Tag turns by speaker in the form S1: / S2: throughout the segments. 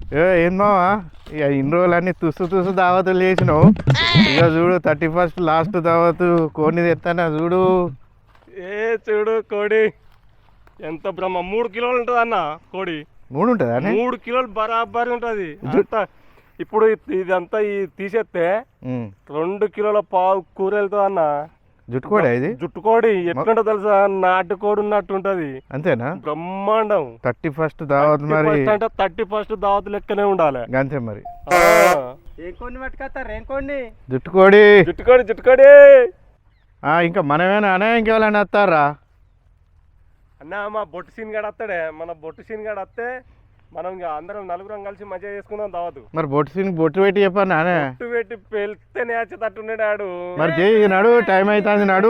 S1: ఏం మావా ఇక ఇన్ని రోజులన్నీ తుసు దావతులు చేసినావు. ఇక చూడు 31st లాస్ట్ దావతు కోడిని తెస్తానా చూడు.
S2: చూడు కోడి ఎంత బ్రహ్మ 3 కిలోలు ఉంటుంది అన్న కోడి.
S1: 3 ఉంటుందా?
S2: 3 కిలోలు బరాబరి ఉంటుంది. ఇప్పుడు ఇదంతా తీసేస్తే 2 కిలోల పావు కూర వెళ్తుంది అన్న.
S1: జుట్టుకోడి ఇది
S2: జుట్టుకోడి ఎట్లుంటో తెలుసా, నాటుకోడి ఉన్నట్టు ఉంటది.
S1: అంతేనా?
S2: బ్రహ్మాండం.
S1: 31st దావత్ మరి
S2: అంటే 31st దావత్ లెక్కనే ఉండాలి
S1: అంతే మరి.
S2: ఏం కోడిని పట్టుకొస్తారు? ఏం కోడిని?
S1: జుట్టుకోడి.
S2: జుట్టుకోడి జుట్టుకోడి.
S1: ఇంకా మనమేనా అనే ఇంకెవరైనా వస్తారా
S2: అన్న? మా బొట్టు సీన్ గాడు వస్తాడే. మన బొట్టు సీన్ గాడు వస్తే మనం అందరం నలుగురం కలిసి మజా చేసుకుందాం దావతు.
S1: మరి బొట్టు పెట్టి చెప్పాను నానే.
S2: బొట్టు పెట్టి పెళ్తే నేర్చేటట్టున్నాడు ఆడు.
S1: మరి చేయి నడు, టైం అవుతుంది నడు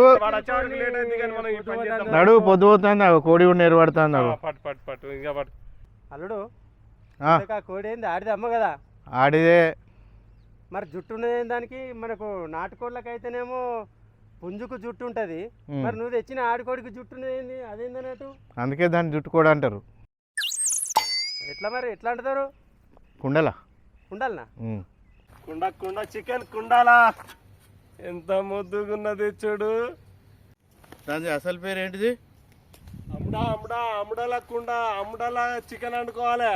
S1: నడు, పొద్దు పోతుంది కోడి కూడా నేర్పడుతుంది.
S2: పట్టు పట్టు పట్టు ఇంకా పట్టు.
S3: అల్లుడు కోడి ఏంది? ఆడిది అమ్మ కదా?
S1: ఆడిదే.
S3: మరి జుట్టు ఉన్నది దానికి. మనకు నాటుకోళ్ళకి అయితేనేమో పుంజుకు జుట్టు ఉంటుంది. మరి నువ్వు తెచ్చిన ఆడుకోడికి జుట్టు ఉన్నది అదేందన్నట్టు?
S1: అందుకే దాన్ని జుట్టుకోడి అంటారు.
S3: ఎట్లా మరి ఎట్లా అంటారు?
S1: కుండలా
S3: కుండాలనా?
S2: కుండ కుండ చికెన్ కుండాలా. ఎంత ముద్దుగున్నది చూడు.
S1: దాని అసలు పేరు ఏంటిది?
S2: అమ్ముడా అమ్ముడా అమ్ముడల కుండ, అమ్ముడల చికెన్ వండుకోవాలి.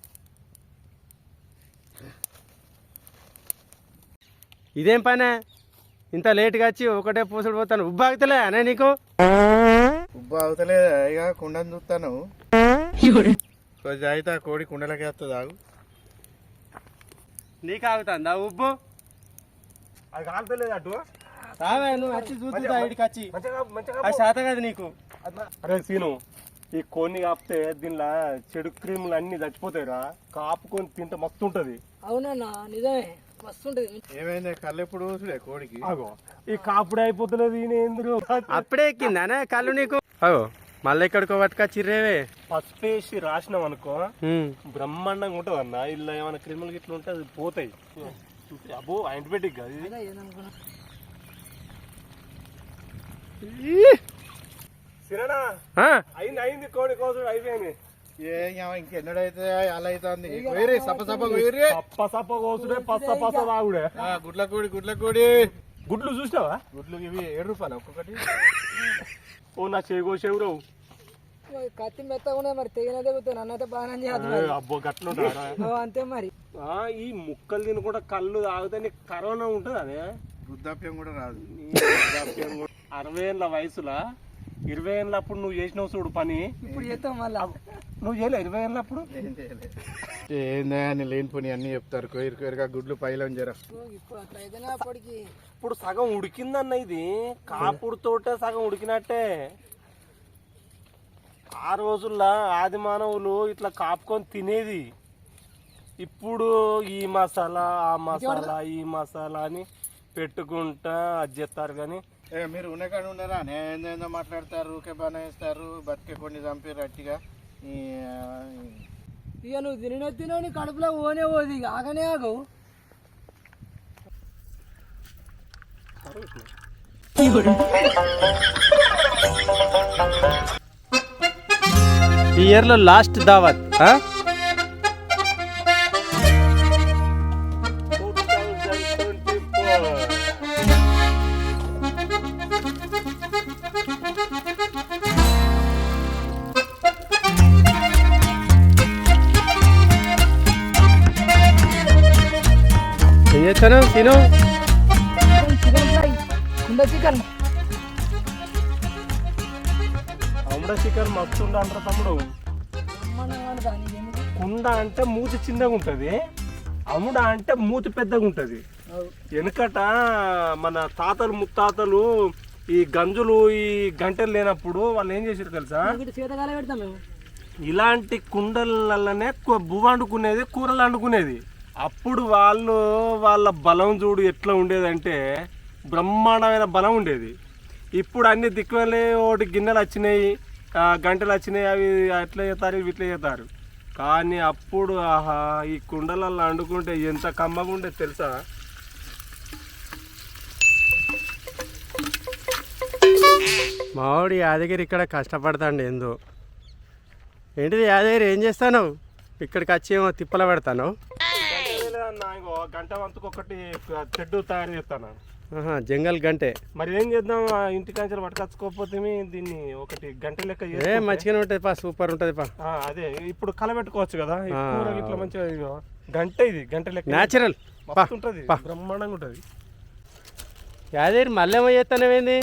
S3: ఇదేం పనే ఇంత లేట్గా వచ్చి ఒకటే పూసుడు పోతాను? ఉబ్బాగుతలే అనే నీకు?
S1: ఉబ్బా అవుతలే ఇక కుండని చూస్తాను. అయితే ఆ కోడి కుండలకి వస్తుంది. ఆగు.
S3: నీకు ఆగుతుందా ఉబ్బు?
S2: అది కాలుతలేదు అటు.
S3: రావే నువ్వు వచ్చి చూద్దా ఇడికి వచ్చి. అది శాత కదా నీకు.
S2: అరే సీను, ఈ కోడిని కాపితే దీనిలో చెడు క్రీములు అన్ని చచ్చిపోతాయిరా. కాపుకొని తింటే మస్తు ఉంటది.
S4: అవునన్నా నిజమే, మస్తుంటది.
S1: ఏమైంది కళ్ళు ఎప్పుడు చూసుడే కోడికి?
S2: అగో ఈ కాపుడే అయిపోతలేదు. ఈయన ఎందుకు
S3: అప్పుడే ఎక్కిందానే కళ్ళు నీకు? అగో మళ్ళీ ఎక్కడికో పట్టుకొచ్చిర్రేవే.
S2: పసుపు వేసి రాసినాం అనుకో బ్రహ్మాండంగా ఉంటది అన్న. ఇలా ఏమైనా క్రిములు గిట్ల ఉంటే అది పోతాయి. అబ్బో యాంటీబయాటిక్ కాదు ఇది. సిరనా అయింది అయింది కోడి కోసం అయిపోయింది.
S1: ఇంకెన్నడైతే అలా అవుతుంది.
S2: సప్ప సప్ప కోసుడే పచ్చ పచ్చ తాగుడే.
S1: గుడ్ల కోడి గుడ్ల కోడి.
S2: గుడ్లు చూసినావా?
S1: గుడ్లు ఇవి 7 రూపాయలు ఒక్కొక్కటి.
S2: ఓ నా చేగోసేవురు.
S4: కత్తి మెత్తగా మరి తెగిన తెగుతాను అన్నైతే బాగానే చేయాలి.
S2: అబ్బో గట్ల
S4: అంతే మరి.
S2: ఈ ముక్కలు తినకుండా కళ్ళు తాగితే నీకు కరోనా ఉంటుంది. అదే
S1: వృద్ధాప్యం కూడా రాదు.
S2: 60 ఏళ్ళ వయసులా 20 ఏళ్ళప్పుడు నువ్వు చేసినావు చూడు పని.
S4: ఇప్పుడు చేస్తాం మళ్ళా.
S2: నువ్వు చేయలే 20 ఏళ్ళప్పుడు?
S1: ఏందా అని లేని పని అన్ని చెప్తారు. కోరికగా గుడ్లు పైలో జర.
S2: ఇప్పుడు సగం ఉడికిందన్న. ఇది కాపుడుతోటే సగం ఉడికినట్టే. ఆ రోజుల్లో ఆది మానవులు ఇట్లా కాపుకొని తినేది. ఇప్పుడు ఈ మసాలా ఆ మసాలా ఈ మసాలా అని పెట్టుకుంటా అది చేస్తారు. కానీ
S1: మీరు ఉన్నకాడ ఉండరా? ఏందో మాట్లాడతారు, ఊకే బనేస్తారు. బతికే కొన్ని చంపారు అట్టిగా.
S4: ఇక నువ్వు తినని కడుపులో ఓనే పోదు. ఇక ఆగనే ఆగవు.
S3: ఈ ఇయర్లో లాస్ట్ దావత్. ఏం చేస్తాను తిను?
S4: చికెన్ ఫ్రై, కుండ చికెన్.
S2: అమ్ముడ చికెన్ మస్తు అంటారు తమ్ముడు. కుండ అంటే మూతి చిన్నగా ఉంటది, అమ్ముడ అంటే మూతి పెద్దగా ఉంటది. వెనుకట మన తాతలు ముత్తాతలు ఈ గంజులు ఈ గంటలు లేనప్పుడు వాళ్ళు ఏం చేసారు తెలుసా? ఇలాంటి కుండలనే బువ్వ వండుకునేది, కూరలు వండుకునేది. అప్పుడు వాళ్ళ బలం చూడు ఎట్లా ఉండేదంటే బ్రహ్మాండమైన బలం ఉండేది. ఇప్పుడు అన్ని దిక్కువలే ఒకటి గిన్నెలు వచ్చినాయి, గంటలు వచ్చినాయి, అవి అట్లా చేస్తారు ఇవి ఇట్లా చేస్తారు. కానీ అప్పుడు ఆహా ఈ కుండలలో వండుకుంటే ఎంత కమ్మగా ఉండేది తెలుసా?
S3: మావాడు యాదగిరి ఇక్కడ కష్టపడతాండి. ఏందో ఏంటిది యాదగిరి, ఏం చేస్తాను? ఇక్కడికి వచ్చేమో తిప్పల పెడతాను.
S2: గంట వంతుకు ఒకటి చెడ్డు తయారు చేస్తాను.
S3: జంగల్ గంటే
S2: మరి ఏం చేద్దాం, ఇంటికాంచెలు పట్టుకొచ్చుకోకపోతే దీన్ని ఒకటి గంట లెక్క
S3: మంచిగానే ఉంటుంది పా, సూపర్ ఉంటుంది పా.
S2: అదే ఇప్పుడు కలబెట్టుకోవచ్చు కదా, కూర ఇట్లా మంచిగా గంట, ఇది గంట లెక్క
S3: న్యాచురల్
S2: ఉంటుంది, బ్రహ్మాండంగా ఉంటుంది.
S3: యాదేరి మళ్ళేమో చేస్తానేమైంది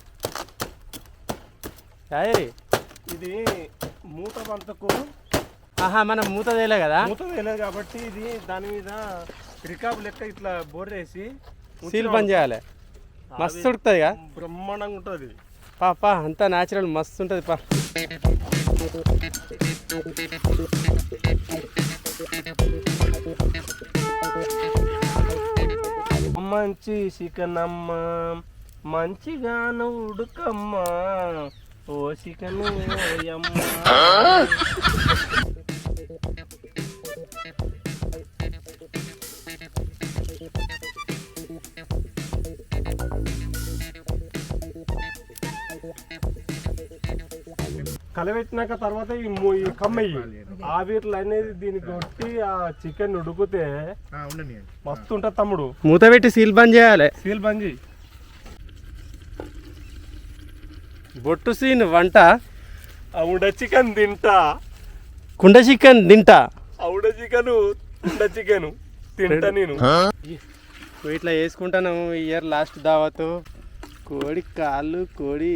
S3: యాదేరి?
S2: ఇది మూత వంతకు
S3: మనం మూత తేలే కదా,
S2: మూత తేలేదు కాబట్టి ఇది దాని మీద రికాబ్ లెక్క ఇట్లా బోర్రేసి
S3: సీల్ బంద్ చేయాలి. మస్తు ఉడుకుతుంది కదా,
S2: బ్రహ్మాండంగా ఉంటుంది.
S3: పా అంతా న్యాచురల్ మస్తు ఉంటుంది పా.
S2: మంచి చికెనమ్మ మంచిగాను ఉడుకమ్మ, ఓ చికెన్ ఓయమ్మ. కలబెట్టినాక తర్వాత ఈ కమ్మయ్యి ఆవిర్లు అనేది దీనికి కొట్టి ఆ చికెన్ ఉడికితే మస్తు ఉంటుంది తమ్ముడు.
S3: మూత పెట్టి సీల్ బంద్ చేయాలి.
S2: సీల్ బంద్ చేయి.
S3: బొట్టు సీన్ వంట
S2: అవుడ చికెన్ తింటా,
S3: కుండ చికెన్ తింటా,
S2: అవుడ చికెన్ కుండ చికెన్ తింటా నేను.
S3: ఇట్లా వేసుకుంటాను. ఇయర్ లాస్ట్ దావతు కోడి కాళ్ళు, కోడి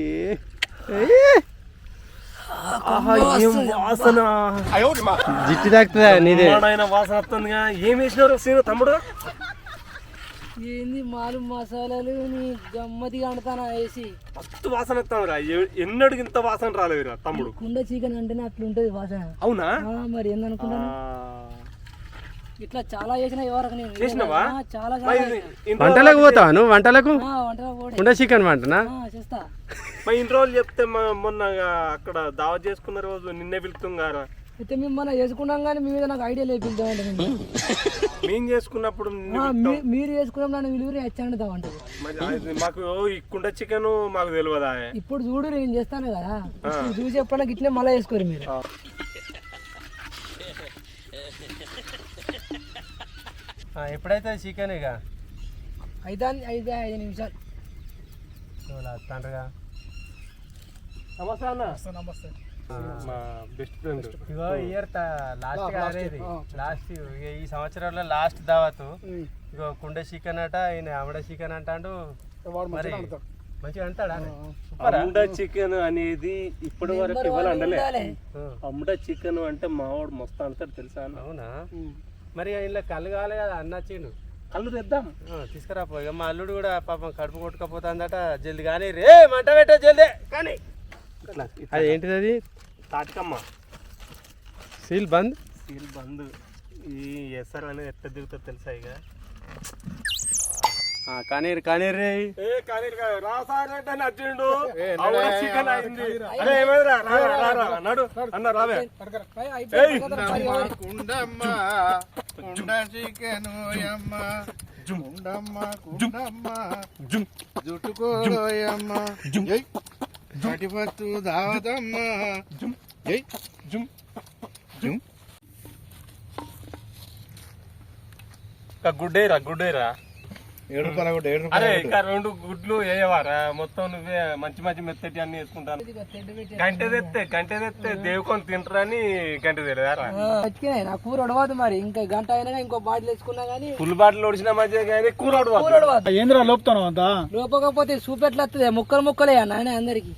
S2: వాసన
S3: జిట్టి తాకుతుందా నీదే?
S2: వాసన వస్తుందిగా. ఏం వేసినారు సీను తమ్ముడు?
S4: ఏంది మాలు మసాలాలు నీ గమ్మతిగా అంటానా వేసి
S2: మస్తు వాసన వస్తాను. ఎన్నడికి ఇంత వాసన రాలేదురా తమ్ముడు.
S4: కుండ చికెన్ అంటేనే అట్లుంటది వాసన.
S2: అవునా?
S4: మరి ఏందనుకుంటాను, ఇట్లా చాలా చేసిన ఎవరికి నేను
S2: చేసినావా?
S4: చాలా
S3: వంటలకు పోతావా నువ్వు? వంటలకు
S4: వంటలకు
S3: కుండ చికెన్ వంటనా
S4: చేస్తా.
S2: మరి ఇన్ని రోజులు చెప్తే మొన్న అక్కడ దావత్ చేసుకున్న రోజు నిన్నే పిలుస్తాం గారా.
S4: అయితే మేము మనం చేసుకున్నాం కానీ మీ మీద నాకు ఐడియా లేపిద్దామంటే
S2: మేము చేసుకున్నప్పుడు
S4: మీరు చేసుకున్నాం నన్ను విలువరి వచ్చాంటామంటది.
S2: మాకు ఈ కుండ చికెన్ మాకు తెలియదా?
S4: ఇప్పుడు చూడు నేను చేస్తాను కదా, చూసి ఎప్పుడన్నా గిట్లే మళ్ళీ చేసుకోరు మీరు.
S3: ఎప్పుడైతే చికెన్ ఇక
S4: అయితే 5 నిమిషాలు
S3: తండ్రిగా.
S2: నమస్తే అన్న.
S4: నమస్తే.
S2: మా బెస్ట్ ఫ్రెండ్.
S3: ఇగో ఇయర్ లాస్ట్ ఈ సంవత్సరంలో లాస్ట్ దావతు. ఇగో కుండ చికెన్ అట, ఈయన ఆవిడ చికెన్ అంటాడు. మరి మంచిగా అంటాడా?
S2: అమ్ముడ చికెన్ అనేది ఇప్పటి వరకు ఇవ్వాలి అండలే. అమ్ముడ చికెన్ అంటే మావాడు మస్తు అంటాడు తెలుసా?
S3: అవునా? మరి ఇలా కళ్ళు కావాలి కదా, అన్నచ్చిండు.
S2: కళ్ళు తెద్దాం,
S3: తీసుకురాపో. ఇక మా అల్లుడు కూడా పాపం కడుపు కొట్టుకపోతుందట. జల్ది కానీ రే మంట పెట్టే జల్దీ కానీ. అది ఏంటిది? అది
S2: తాటికమ్మ.
S3: సీల్ బంద్.
S2: సీల్ బంద్. ఈ ఎస్ఆర్ అనేది ఎట్లా దిగుతుంది తెలుసా? ఇక
S3: కానీరు కానీరు రే.
S2: నచ్చిండు చికెన్ అయింది. నడు అన్న రావే. గుడ్డేరా గుడ్డేరా. అరే ఇక 2 గుడ్లు వేయవారా? మొత్తం నువ్వే మంచి మంచి మెత్తటి అన్ని వేసుకుంటాను. గంట తెస్తే దేవుకొని తింటారని గంట తెలియదారా?
S4: నా కూర ఉడవదు. మరి ఇంకా గంట అయినా ఇంకో బాటిల్ వేసుకున్నా గానీ
S2: ఫుల్ బాటిల్ ఒడిచిన మధ్య కానీ కూర ఉడవదు.
S3: ఏంద్రా లోపుతాను అంతా?
S4: లోపకపోతే సూప్ ఎట్లా వస్తుంది? ముక్కలు ముక్కలే నాయన అందరికి.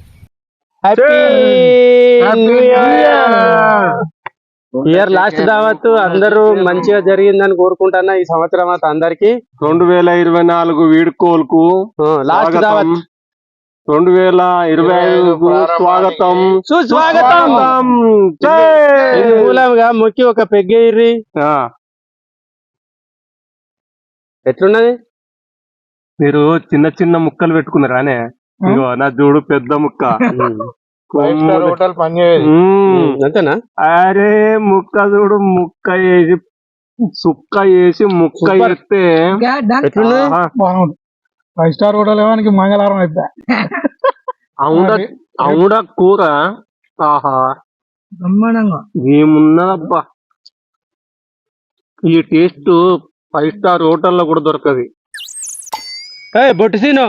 S3: ఇయర్ లాస్ట్ దావత్ అందరూ మంచిగా జరిగిందని కోరుకుంటున్నా. ఈ సంవత్సరం అంతా అందరికి
S2: 2024 వీడ్కోలుకు
S3: లాస్ట్ దావత్,
S2: 2025 స్వాగతం
S3: సుస్వాగతం. మూలంగా మొక్కి ఒక పెగ్గేర్రి. ఎట్లున్నది?
S2: మీరు చిన్న చిన్న ముక్కలు పెట్టుకున్నారానే? ఇగో నా చూడు పెద్ద ముక్క.
S3: అంతేనా?
S2: అరే ముక్క చూడు, ముక్క వేసి సుక్క వేసి ముక్క వేస్తే
S5: 5 స్టార్ హోటల్ ఏమానికి మంగళవారం అయితే
S2: అవుడ కూర. ఆహా
S4: బ్రహ్మాండంగా
S2: ఏమున్నదబ్బా.
S1: ఈ టేస్ట్ 5 స్టార్ హోటల్లో కూడా దొరకదు.
S3: బొట్టు సీను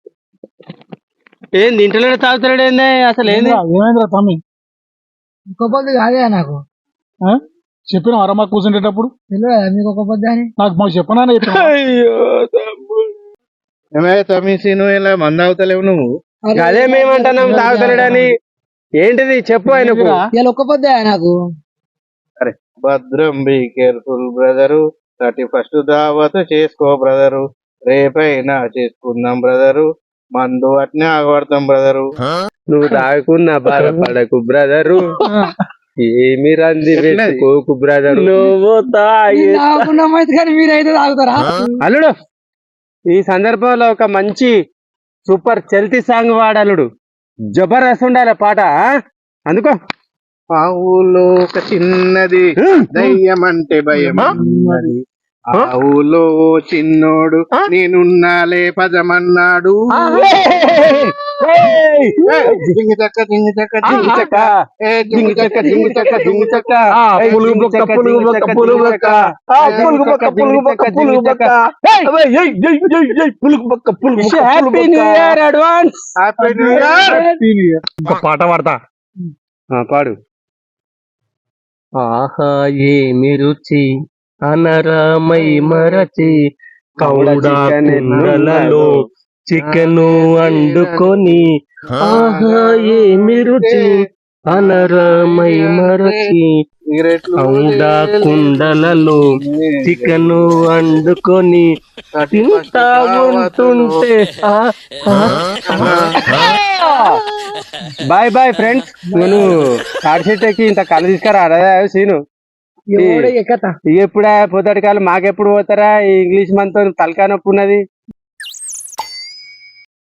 S3: ఏంది ఇంటర్లో తాగుతాడు ఏంది అసలు ఏంది
S5: ఏమైందిరా తమ్మి?
S4: ఇంకో పొద్దు కాదే నాకు
S5: ఆ? చెప్పిన అరమా కూర్చుంటేటప్పుడు
S4: తెలియదా మీకు ఒక పొద్దు అని?
S5: నాకు మాకు చెప్పనా
S1: ఏమైనా తమిసీను ఇలా మంద అవుతలేవు నువ్వు?
S3: అదే మేమంటున్నాం తాగుతాడని. ఏంటిది చెప్పు ఆయనకు.
S4: ఇలా ఒక్క పొద్దే నాకు.
S1: అరే భద్రం, బీ కేర్ఫుల్ బ్రదరు. 31st దావత్ చేసుకో బ్రదరు. రేపైనా చేసుకుందాం బ్రదరు. మందు అట్నే ఆగబడతాం బ్రదరు.
S3: నువ్వు తాగుకున్నా బాధపడకు బ్రదరు, ఏమి రంది పెట్టుకోకు బ్రదరు. నువ్వు
S4: తాగుకున్నాం అయితే కానీ మీరైతే తాగుతారా?
S3: అల్లుడు ఈ సందర్భంలో ఒక మంచి సూపర్ చల్తీ సాంగ్ వాడలుడు. జబర్దస్త్ ఉండాలి పాట. అందుకో
S1: ఆ ఊళ్ళో ఒక చిన్నది దయ్యం అంటే భయం అన్నది. ఆ ఊళ్ళో ఓ చిన్నోడు నేనున్నాలే పదమన్నాడు. జింగి చక్క జింగి చక్క జింగి చక్క ఏ జింగి చక్క జింగి చక్క జింగి చక్క పులుగు బొక్క పులుగు బొక్క పులుగు బొక్క పులుగు బొక్క పులుగు బొక్క పులుగు బొక్క పులుగు బొక్క పులుగు బొక్క.
S3: Happy new year advance.
S1: Happy new year.
S5: ఒక పాట పాడతా.
S3: పాడు. ఆహా ఏమి రుచి అనరామై మరచి కౌడా కుండలలో చికెను వండుకొని. ఆహా ఏమి రుచి అనరామై మరచి కౌడా కుండలలో చికెను వండుకొని తింటా ఉంటుంటే. Bye bye friends. నేను తాడిచెట్టకి ఇంత కళ్ళు తీసుకురా సీను. ఎప్పుడా పొద్దుటి కాలం మాకెప్పుడు పోతారా? ఇంగ్లీష్ మనతో తలకాయ నొప్పి ఉన్నది.